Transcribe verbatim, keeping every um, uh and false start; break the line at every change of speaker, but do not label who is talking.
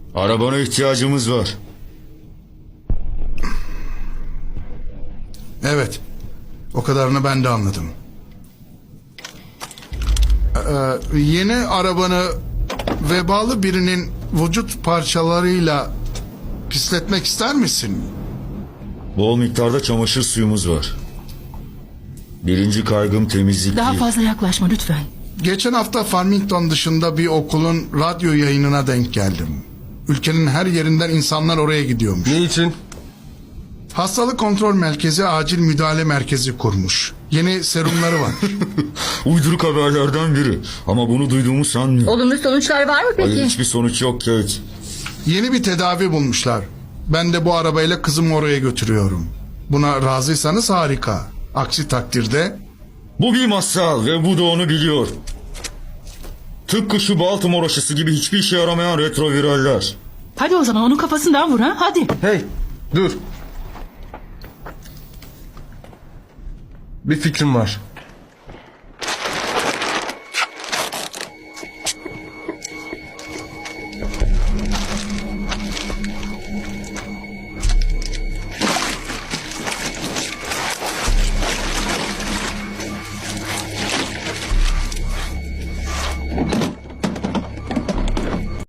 Arabana ihtiyacımız var.
Evet. O kadarını ben de anladım. Ee, yeni arabanı vebalı birinin vücut parçalarıyla pisletmek ister misin?
Bol miktarda çamaşır suyumuz var. Birinci kaygım temizlik
Daha
değil.
fazla yaklaşma lütfen.
Geçen hafta Farmington dışında bir okulun radyo yayınına denk geldim. Ülkenin her yerinden insanlar oraya gidiyormuş.
Ne için?
Hastalık kontrol merkezi acil müdahale merkezi kurmuş. Yeni serumları var.
Uyduruk haberlerden biri. Ama bunu duyduğumu sanmıyorum.
Olumlu sonuçlar var mı peki?
Hayır, hiçbir sonuç yok Kate.
Yeni bir tedavi bulmuşlar. Ben de bu arabayla kızımı oraya götürüyorum. Buna razıysanız harika. Aksi takdirde...
Bu bir masal ve bu da onu biliyor. Tıpkı şu Baltimore aşısı gibi hiçbir işe yaramayan retroviraller.
Hadi o zaman onun kafasından vur ha, hadi.
Hey, dur. Bir fikrim var.